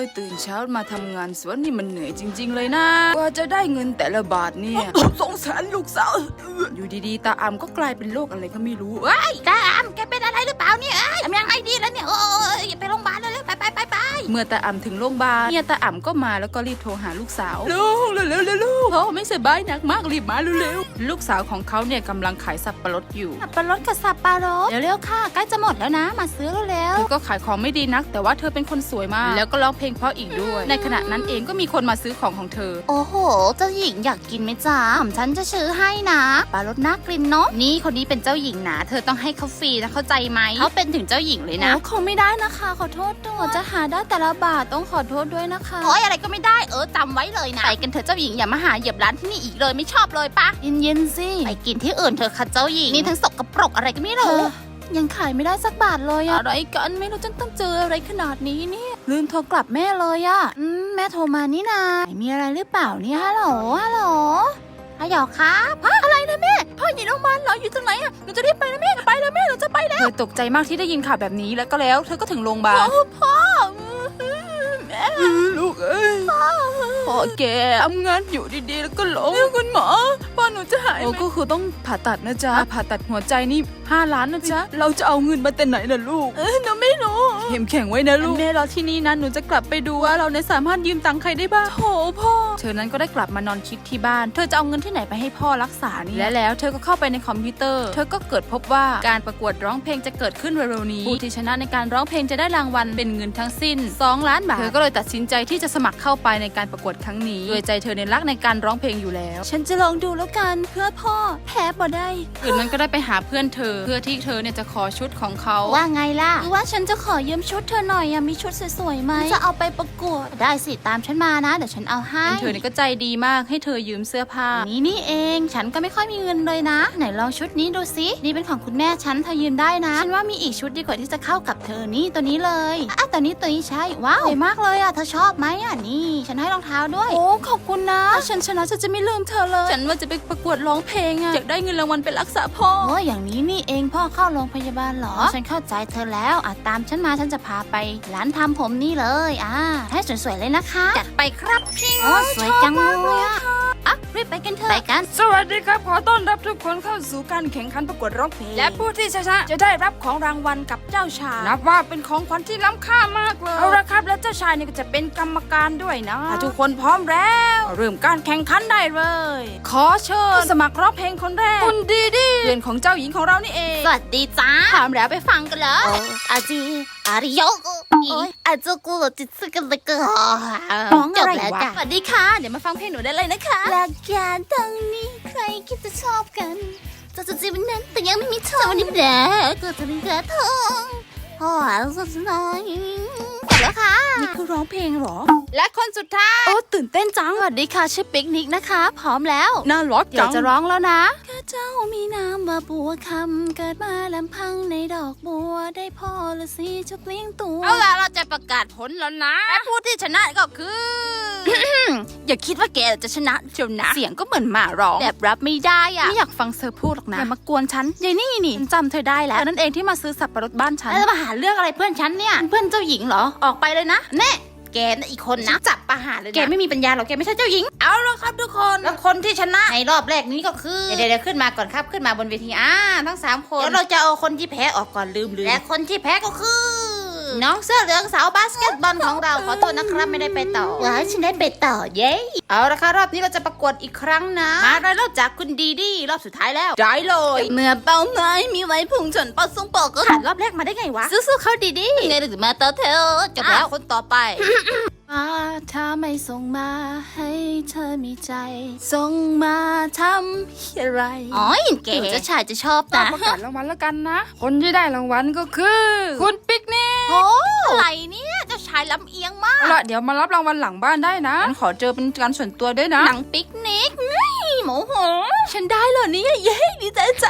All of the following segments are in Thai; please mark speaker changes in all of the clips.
Speaker 1: ตื่นเช้ามาทำงานสวนนี่มันเหนื่อยจริงๆเลยนะกว่าจะได้เงินแต่ละบาทเนี่ย200,000ลูกสาวอยู่ดีๆตาอำก็กลายเป็นโรคอะไรก็ไม่รู้
Speaker 2: เอ้ยตาอำแกเป็นอะไรหรือเปล่าเนี่ยทำยังไงดีแล้วเนี่ยโอ้ยอย่าไปโรงพยาบาลเลยไป
Speaker 1: เมื่อตาอำถึงโรงพยาบาลเนี่ยตาอำก็มาแล้วก็รีบโทรหาลูกสาวลูกเร็วๆลูกพ่อไม่สบายหนักมากรีบมาเร็วๆลูกสาวของเขาเนี่ยกำลังขายสับปะรดอยู่
Speaker 2: สับปะรดกับสับปะรดเร็วๆค่ะใกล้จะหมดแล้วนะมาซื้อเร็ว
Speaker 1: เธอก็ขายของไม่ดีนักแต่ว่าเธอเป็นคนสวยมากแล้วก็ร้องเพลงเพราะอีกด้วยในขณะนั้นเองก็มีคนมาซื้อของเธอ
Speaker 2: โอ้โหเจ้าหญิงอยากกินไหมจ๊ะฉันจะซื้อให้นะปลารสน่ากลิ่นเนาะนี่คนนี้เป็นเจ้าหญิงนะเธอต้องให้เขาฟรีนะเข้าใจไหมเขาเป็นถึงเจ้าหญิงเลยนะ
Speaker 1: คงไม่ได้นะคะขอโทษด้วยจะหาได้แต่ละบาทต้องขอโทษด้วยนะคะ
Speaker 2: โอ้ยอะไรก็ไม่ได้จำไว้เลยนะไปกันเถอะเจ้าหญิงอย่ามาหาเหยียบร้านที่นี่อีกเลยไม่ชอบเลยปะ
Speaker 1: เย็นๆสิ
Speaker 2: ไปกินที่อื่นเถอะค่ะเจ้าหญิงนี่ทั้งสกปรกอะไรก็ไม่รู้
Speaker 1: ยังขายไม่ได้สักบาทเลยอะอะไรกันไม่รู้จะต้องเจออะไรขนาดนี้เนี่ยลืมโทรกลับแม่เลยอะแม่โทรมานี่นามีอะไรหรือเปล่าเนี่ยฮัลโหล
Speaker 2: ฮัลโหลครับ
Speaker 1: อะไรนะแม่พ่ออยู่โรงพยาบาลเหรออยู่ตรงไหนอะหนูจะรีบไปนะแม่ไปแล้วแม่เราจะไปแล้วเธอตกใจมากที่ได้ยินข่าวแบบนี้แล้วเธอก็ถึงโรงพยาบาล
Speaker 2: พ่อ
Speaker 1: แม่ลูกเอ้ยพ่อแกทำงานอยู่ดีๆแล้วก็ล้มคุณหมอพ่อหนูจะหายไหมก็คือต้องผ่าตัดนะจ๊ะผ่าตัดหัวใจนี่5 ล้านนะจ๊ะเราจะเอาเงินมาแต่ไหนล่ะลูกหนูไม่รู้เข้มแข็งไว้นะลูกแม่รอที่นี่นะหนูจะกลับไปดูว่าเราสามารถยืมตังค์ใครได้บ้างโถพ่อเธอนั้นก็ได้กลับมานอนคิดที่บ้านเธอจะเอาเงินที่ไหนไปให้พ่อรักษานี่และแล้วเธอก็เข้าไปในคอมพิวเตอร์เธอก็เกิดพบว่าการประกวดร้องเพลงจะเกิดขึ้นเร็วๆนี้ผู้ที่ชนะในการร้องเพลงจะได้รางวัลเป็นเงินทั้งสิ้น2 ล้านบาทเธอก็เลยตัดสินใจที่จะสมัครเข้าไปในการประกวดครั้งนี้ด้วยใจเธอในรักในการร้องเพลงอยู่แล้วฉันจะลองดูแล้วกันเพื่อพ่อแพ้บ่ได้คืนนั้นก็ได้ไปหาเพื่อนเธอเพื่อที่เธอเนี่ยจะขอชุดของเขา
Speaker 2: ว่าไงล่ะ
Speaker 1: ว่าฉันจะขอยืมชุดเธอหน่อยมีชุดสวยๆไหม
Speaker 2: จะเอาไปประกวดได้สิตามฉันมานะเดี๋ยวฉันเอาให้
Speaker 1: เธอเนี่ยก็ใจดีมากให้เธอยืมเสื้อผ้า
Speaker 2: นี่เองฉันก็ไม่ค่อยมีเงินเลยนะไหนลองชุดนี้ดูสินี่เป็นของคุณแม่ฉันเธอยืมได้นะฉันว่ามีอีกชุดดีกว่าที่จะเข้ากับเธอนี่ตัวนี้เลยตัวนี้ใช่ว้าวสวยมากเลยเธอชอบไหมนี่ฉันให้รองเท้าด้วย
Speaker 1: โอ้ขอบคุณนะถ้าฉันชนะฉันจะไม่ลืมเธอเลยฉันว่าจะไปประกวดร้องเพลงอยากได้เงินรางวัลไปรักษาพ่อ
Speaker 2: อย่างนี้นี่เองพ่อเข้าโรงพยาบาลเหรอฉันเข้าใจเธอแล้วตามฉันมาฉันจะพาไปร้านทำผมนี่เลยให้สวยๆเลยนะคะ
Speaker 1: จัดไปครับพี่
Speaker 2: สวยจังเลยรีบไปกันเถอะ
Speaker 1: ไปกันสวัสดีครับขอต้อนรับทุกคนเข้าสู่การแข่งขันประกวดร้องเพลงและผู้ที่ชนะจะได้รับของรางวัลกับเจ้าชายนับว่าเป็นของขวัญที่ล้ำค่ามากเลยเอาละครับและเจ้าชายนี่ก็จะเป็นกรรมการด้วยนะถ้าทุกคนพร้อมแล้วเริ่มการแข่งขันได้เลยขอเชิญสมัครร้องเพลงคนแรกคุณดีเพื่อนของเจ้าหญิงของเรานี่เอง
Speaker 2: สวัสดีจ้า
Speaker 1: พร้อมแล้วไปฟังกันเลย
Speaker 2: อาจีอาริโยอาจูกูจิตสึกันเลยก็
Speaker 1: ร้องอะไรวะสวัสดีค่ะเดี๋ยวมาฟังเพลงหนูได้เลยนะคะ
Speaker 2: หลักการตรงนี้ใครคิดจะชอบกันจะจีบนั้นแต่ยังไม่มีเธอวันนี้แหละก็จะเป็นแค่เธอสุดท้ายแล้วค่ะ
Speaker 1: นี่คือร้องเพลงหรอ
Speaker 2: และคนสุดท้าย
Speaker 1: ตื่นเต้นจัง
Speaker 2: สวัสดีค่ะชื่อปิกนิกนะคะพร้อมแล้ว
Speaker 1: น่ารักจัง
Speaker 2: จะร้องแล้วนะข้าเจ้ามีนามว่าบัวคำเกิดมาลำพังในดอกบัวได้พ่อละสิจะเปลี่ยนตัวเอาล่ะเราจะประกาศผลแล้วนะและผู้ที่ชนะก็คือ อย่าคิดว่าแกจะชนะเชียวนะเสียงก็เหมือนหมาร้องแบบรับไม่ได้
Speaker 1: ไม่อยากฟังเธอพูดหรอกนะอย่ามากวนฉันยายนี่จำเธอได้แล้วนั่นเองที่มาซื้อสับปะรดบ้านฉัน
Speaker 2: แล้วมาหาเรื่องอะไรเพื่อนฉันเนี่ยเพื่อนเจ้าหญิงเหรอออกไปเลยนะแน่แกน่ะอีกคนนะจับประหารเลยนะแกไม่มีปัญญาหรอกแกไม่ใช่เจ้าหญิงเอาละครับทุกคนแล้วคนที่ชนะในรอบแรกนี้ก็คือเดี๋ยวขึ้นมาก่อนครับขึ้นมาบนเวทีทั้ง3คนแล้วเราจะเอาคนที่แพ้ออกก่อนลืมและคนที่แพ้ก็คือน้องเสื้อเหลืองสาวบาสเกตบอลของเราขอโทษนะครับไม่ได้ไปต่อว้าฉันได้ไปต่อเย้เอาละค่ะรอบนี้เราจะประกวดอีกครั้งนะมาได้รอบจากคุณดีรอบสุดท้ายแล้ว
Speaker 1: ได้เลย
Speaker 2: เมื่อเป้าหมายมีไว้พุ่งชนเป้าทรงปอกก็ผ่านรอบแรกมาได้ไงวะสู้ๆเขาดีไงหรือมาต่อเธอจบแล้วคนต่อไป
Speaker 1: ถ้าไม่ส่งมาให้เธอมีใจส่งมาทำอะไร
Speaker 2: เก๋เจ้าชายจะชอบนะ
Speaker 1: ประกาศรางวัลแล้วกันนะคนที่ได้รางวัลก็คือคุณปิกนิก
Speaker 2: อะไรเนี่ยเจ้าชายลำเอียงมาก
Speaker 1: เดี๋ยวมารับรางวัลหลังบ้านได้นะขอเจอเป็นการส่วนตัวด้วยนะ
Speaker 2: หนังปิกนิกโมโห
Speaker 1: ฉันได้เหรอเนี่ยเย้ดีใจจัง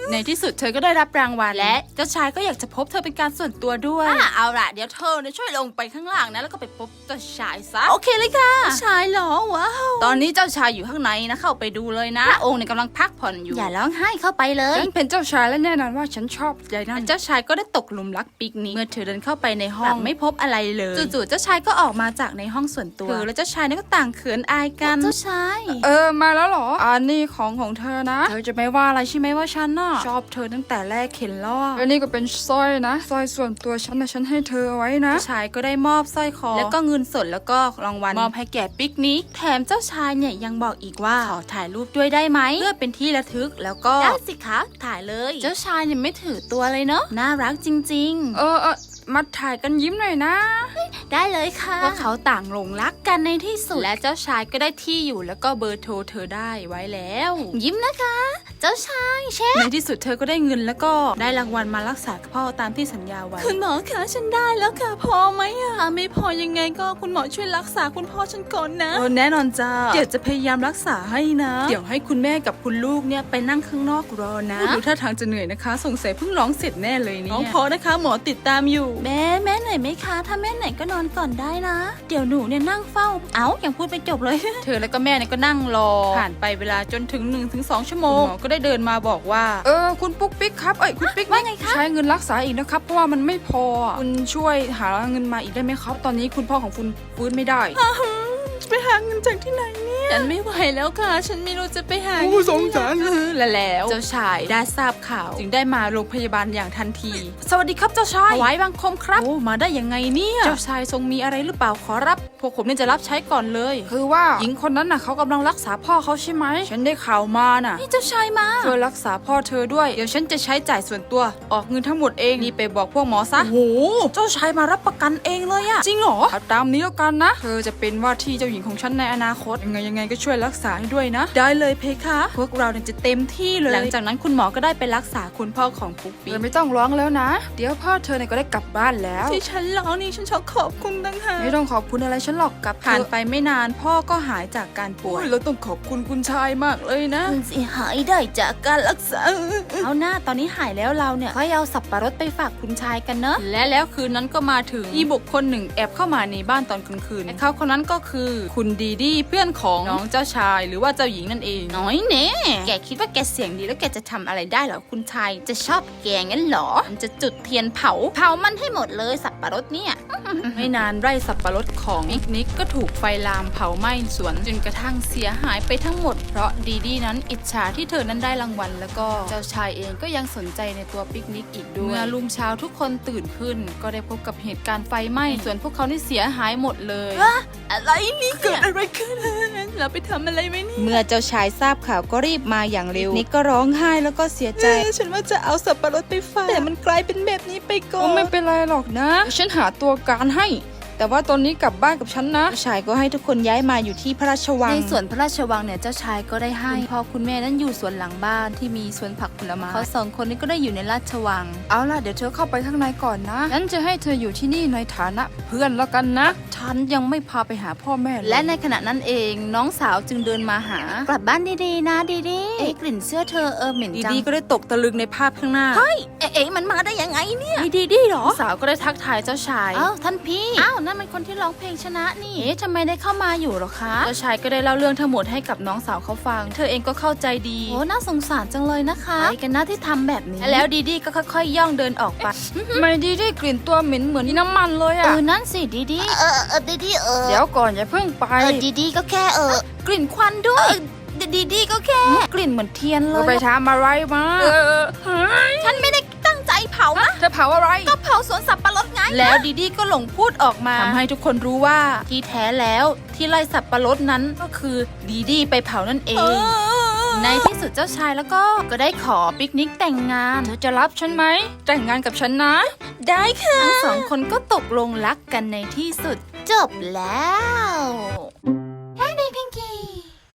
Speaker 1: ในที่สุดเธอก็ได้รับรางวัลและเจ้าชายก็อยากจะพบเธอเป็นการส่วนตัวด้วยเอาล่ะเดี๋ยวเธอช่วยลงไปข้างล่างนะแล้วก็ไปพบเจ้าชายซะโอเคเลยค่ะชายเหรอว้าวตอนนี้เจ้าชายอยู่ข้างในนะเข้าไปดูเลยนะพระองค์เนี่ยกำลังพักผ่อนอยู่
Speaker 2: อย่าร้องไห้เข้าไปเลย
Speaker 1: ฉันเป็นเจ้าชายและแน่นอนว่าฉันชอบใจนั่นเจ้าชายก็ได้ตกหลุมรักปิกนิกเมื่อเธอเดินเข้าไปในห้องไม่พบอะไรเลยจู่ๆเจ้าชายก็ออกมาจากในห้องส่วนตัวเธอและเจ้าชายนี่ก็ต่างเขินอายกัน
Speaker 2: เจ้าชาย
Speaker 1: มาแล้วเหรออันนี้ของเธอนะเธอจะไม่ว่าอะไรใช่ไหมว่าฉันน่ะชอบเธอตั้งแต่แรกเห็นแล้วอันนี้ก็เป็นสร้อยนะสร้อยส่วนตัวฉันนะฉันให้เธอเอาไว้นะเจ้าชายก็ได้มอบสร้อยคอแล้วก็เงินสดแล้วก็รางวัลมอบให้แก่ปิกนิกแถมเจ้าชายเนี่ยยังบอกอีกว่าขอถ่ายรูปด้วยได้ไหมเพื่อเป็นที่ระลึกแล้วก็
Speaker 2: ได้สิคะถ่ายเลยเจ้าชายเนี่ยไม่ถือตัวเลยเนาะน่ารักจริงๆ
Speaker 1: มาถ่ายกันยิ้มหน่อยนะ
Speaker 2: ได้เลยค่ะ
Speaker 1: ว่าเขาต่างหลงรักกันในที่สุดและเจ้าชายก็ได้ที่อยู่แล้วก็เบอร์โทรเธอได้ไว้แล้ว
Speaker 2: ยิ้มนะคะ เจ้าชายเชฟ
Speaker 1: ในที่สุดเธอก็ได้เงินแล้วก็ได้รางวัลมารักษาพ่อตามที่สัญญาไว้คุณหมอคะฉันได้แล้วค่ะพอไหมไม่พอยังไงก็คุณหมอช่วยรักษาคุณพ่อฉันก่อนนะแน่นอนจ้าเดี๋ยวจะพยายามรักษาให้นะเดี๋ยวให้คุณแม่กับคุณลูกเนี่ยไปนั่งข้างนอกรอนะดูท่าทางจะเหนื่อยนะคะสงสัยเพิ่งร้องเสร็จแน่เลยเนี่ยร้องพอนะคะหมอติดตามอยู่
Speaker 2: แม่เหนื่อยไหมคะถ้าแม่เหนื่อยก็นอนก่อนได้นะเดี๋ยวหนูเนี่ยนั่งเฝ้ายังพูดไม่จบเลย
Speaker 1: เธอแล้วก็แม่เนี่ยก็นั่งรอผ่านไปเวลาจนถึง 1-2 ชั่วโมงหมอก็ได้เดินมาบอกว่าคุณปุ๊กปิ๊กครับคุณปิ๊ก
Speaker 2: ว่าไงคะ
Speaker 1: ใช้เงินรักษาอีกนะครับเพราะว่ามันไม่พอคุณช่วยหาเงินมาอีกได้ไหมครับตอนนี้คุณพ่อของคุณฟื้นไม่ได้ไปหาเงินจากที่ไหนเนี่ยฉันไม่ไหวแล้วค่ะฉันไม่รู้จะไปหาสงสารแล้วเจ้าชายได้ทราบข่าวจึงได้มาโรงพยาบาลอย่างทันทีสวัสดีครับเจ้าชายถวายบังคมครับโอ้มาได้ยังไงเนี่ยเจ้าชายทรงมีอะไรหรือเปล่าขอรับพวกผมเนี่ยจะรับใช้ก่อนเลยคือว่าหญิงคนนั้นน่ะเขากำลังรักษาพ่อเขาใช่ไหมฉันได้ข่าวมาน่ะ
Speaker 2: นี่เจ้าชายมา
Speaker 1: ช่วยรักษาพ่อเธอด้วยเดี๋ยวฉันจะใช้จ่ายส่วนตัวออกเงินทั้งหมดเองนี่ไปบอกพวกหมอซะโอ้โหเจ้าชายมารับประกันเองเลยอะจริงเหรอตามนี้แล้วกันนะเธอจะเป็นว่าที่เจ้าหญิงของฉันในอนาคตยังไงก็ช่วยรักษาให้ด้วยนะได้เลยเพคะพวกเราเนี่ยจะเต็มที่เลยหลังจากนั้นคุณหมอก็ได้ไปรักษาคุณพ่อของปุ๊กปิ๊กไม่ต้องร้องแล้วนะเดี๋ยวพ่อเธอเนี่ยก็ได้กลับบ้านแล้วที่ฉันร้องนี่ฉันชอบขอบคุณตั้งหากไม่ต้องขอบคุณอะไรฉันหรอกกลับผ่านไปไม่นานพ่อก็หายจากการป่วยเราต้องขอบคุณคุณชายมากเลยนะ
Speaker 2: คุณสิหายได้จากการรักษาเอาหน้าตอนนี้หายแล้วเราเนี่ยค่อยเอาสับปะรดไปฝากคุณชายกันเนอะ
Speaker 1: และแล้วคืนนั้นก็มาถึงมีบุคคลหนึ่งแอบเข้ามาในบ้านตอนกลางคืนและเขาคนนั้นก็คือคุณดีดีเพื่อนของน้องเจ้าชายหรือว่าเจ้าหญิงนั่นเอง
Speaker 2: น้อยเน่แกคิดว่าแกเสียงดีแล้วแกจะทำอะไรได้เหรอคุณชายจะชอบแกงั้นเหรอมันจะจุดเทียนเผามันให้หมดเลยสับปะรดเนี่ย
Speaker 1: ไม่นานไร่สับปะรดของปิกนิกก็ถูกไฟลามเผาไหม้สวนจนกระทั่งเสียหายไปทั้งหมดเพราะดีดีนั้นอิจฉาที่เธอนั้นได้รางวัลแล้วก็เจ้าชายเองก็ยังสนใจในตัวปิกนิกอีกด้วยเมื่อรุ่งเช้าทุกคนตื่นขึ้นก็ได้พบกับเหตุการณ์ไฟไหม้ส่วนพวกเขานี่เสียหายหมดเลย
Speaker 2: อะไรนี่
Speaker 1: เกิดอะไรขึ้นเราไปทำอะไรไว้นี่เมื่อเจ้าชายทราบข่าวก็รีบมาอย่างเร็วนิกก็ร้องไห้แล้วก็เสียใจฉันว่าจะเอาสับปะรดไปฝากแต่มันกลายเป็นแบบนี้ไปก่อนไม่เป็นไรหรอกนะฉันหาตัวการให้แต่ว่าตอนนี้กลับบ้านกับฉันนะเจ้าชายก็ให้ทุกคนย้ายมาอยู่ที่พระราชวังในสวนพระราชวังเนี่ยเจ้าชายก็ได้ให้พ่อคุณแม่นั้นอยู่สวนหลังบ้านที่มีสวนผักผลไม้เขา2 คนนี้ก็ได้อยู่ในราชวังเอาล่ะเดี๋ยวเธอเข้าไปข้างในก่อนนะฉันจะให้เธออยู่ที่นี่ในฐานะเพื่อนแล้วกันนะฉันยังไม่พาไปหาพ่อแม่และในขณะนั้นเองน้องสาวจึงเดินมาหาก
Speaker 2: ลับบ้านดีๆนะดีๆกลิ่นเสื้อเธอเหม็นจัง
Speaker 1: ดีก็ได้ตกตะลึงในภาพข้างหน้า
Speaker 2: เฮ้ยมันมาได้ยังไงเนี่ย
Speaker 1: ดีหรอสาวก็ได้ทักทายเจ้าชาย
Speaker 2: ท่านพี่นั่นมันคนที่ร้องเพลงชนะนี่ทำไมได้เข้ามาอยู่หรอคะ
Speaker 1: เจ้าชายก็ได้เล่าเรื่องทั้งหมดให้กับน้องสาวเขาฟังเธอเองก็เข้าใจดี
Speaker 2: โอ้น่าสงสารจังเลยนะคะใครกันนะที่ทำแบบนี้
Speaker 1: แล้วดีก็ค่อยๆย่องเดินออกไปไม่ดีกลิ่นตัวเหม็นเหมือนน้ำมันเลย
Speaker 2: นั่นสิดีดี
Speaker 1: เดี๋ยวก่อนอย่าเพิ่งไป
Speaker 2: ดีก็แค่กลิ่นควันด้วยดีก็แค่
Speaker 1: กลิ่นเหมือนเทียนเลยไปทำอะไรมา
Speaker 2: ฉันไม่ได้ตั้งใจเผานะ
Speaker 1: จะเผาอะไร
Speaker 2: ก็เผาสวนสับปะรดไง
Speaker 1: แล้วดีก็หลงพูดออกมาทำให้ทุกคนรู้ว่าที่แท้แล้วที่ไร่สับปะรดนั้นก็คือดีไปเผานั่นเองในที่สุดเจ้าชายแล้วก็ได้ขอปิกนิกแต่งงานเธอจะรับฉันไหมแต่งงานกับฉันนะ
Speaker 2: ได้ค่ะ
Speaker 1: ทั้ง2 คนก็ตกลงรักกันในที่สุด
Speaker 2: จบแล้ว